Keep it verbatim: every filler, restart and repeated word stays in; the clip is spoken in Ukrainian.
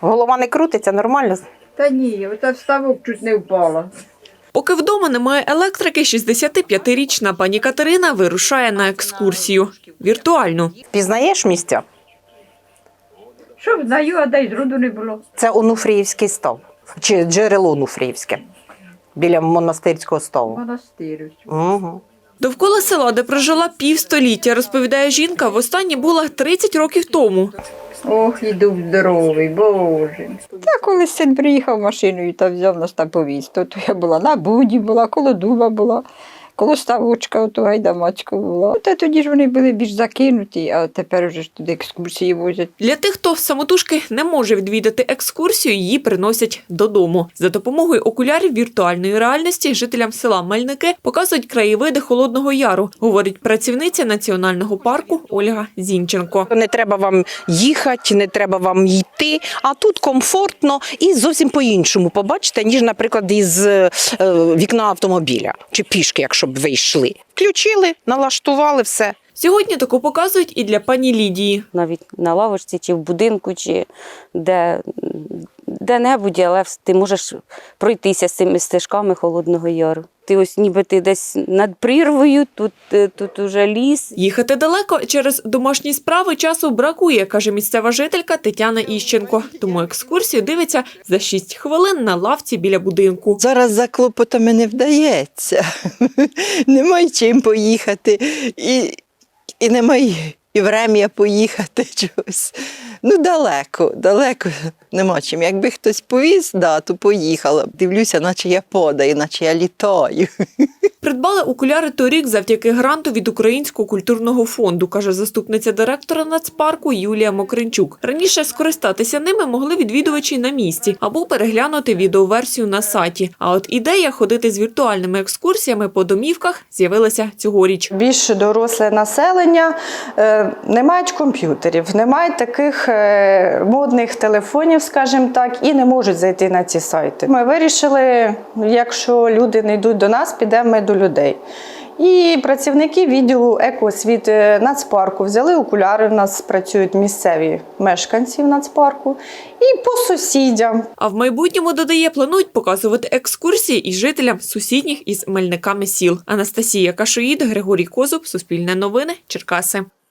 Голова не крутиться, нормально? Та ні, ота вставок чуть не впала. Поки вдома немає електрики, шістдесятип'ятирічна пані Катерина вирушає на екскурсію. Віртуальну. Пізнаєш місця? Що знаю, а дай зроду не було. Це Онуфріївський став. Чи джерело Онуфріївське. Біля монастирського ставу. Монастир. Угу. Довкола села, де прожила півстоліття, розповідає жінка, востаннє була тридцять років тому. Ох, і дух здоровий, Боже. Та коли син приїхав машиною та взяв нас та повіз, то, то я була на буді, була, коло дуба була, коло ставочка, ото гайдамачка була. Та тоді ж вони були більш закинуті, а тепер вже ж туди екскурсії возять. Для тих, хто самотужки не може відвідати екскурсію, її приносять додому. За допомогою окулярів віртуальної реальності жителям села Мельники показують краєвиди Холодного Яру, говорить працівниця національного парку Ольга Зінченко. Не треба вам їхати, не треба вам йти, а тут комфортно і зовсім по-іншому побачите, ніж, наприклад, із е, вікна автомобіля чи пішки, якщо б ви йшли. Включили, налаштували все. Сьогодні таку показують і для пані Лідії. Навіть на лавочці, чи в будинку, чи де, де-небудь, але ти можеш пройтися з цими стежками Холодного Яру. Ти ось ніби ти десь над прірвою, тут, тут уже ліс. Їхати далеко через домашні справи часу бракує, каже місцева жителька Тетяна Іщенко. Тому екскурсію дивиться за шість хвилин на лавці біля будинку. Зараз за клопотами не вдається. Немає чим поїхати. І, і немає і врем'я поїхати чогось. Ну, далеко, далеко нема чим. Якби хтось повіз, да, то поїхала. Дивлюся, наче я падаю, наче я літаю. Придбали окуляри торік завдяки гранту від Українського культурного фонду, каже заступниця директора нацпарку Юлія Мокринчук. Раніше скористатися ними могли відвідувачі на місці або переглянути відеоверсію на сайті. А от ідея ходити з віртуальними екскурсіями по домівках з'явилася цьогоріч. Більш доросле населення е, не мають комп'ютерів, не мають таких е, модних телефонів, скажімо так, і не можуть зайти на ці сайти. Ми вирішили, якщо люди не йдуть до нас, підемо ми до людей. І працівники відділу екоосвіти нацпарку взяли окуляри, в нас працюють місцеві мешканці в нацпарку, і по сусідям. А в майбутньому, додає, планують показувати екскурсії і жителям сусідніх із Мельниками сіл. Анастасія Кашоїд, Григорій Козуб, Суспільне новини, Черкаси.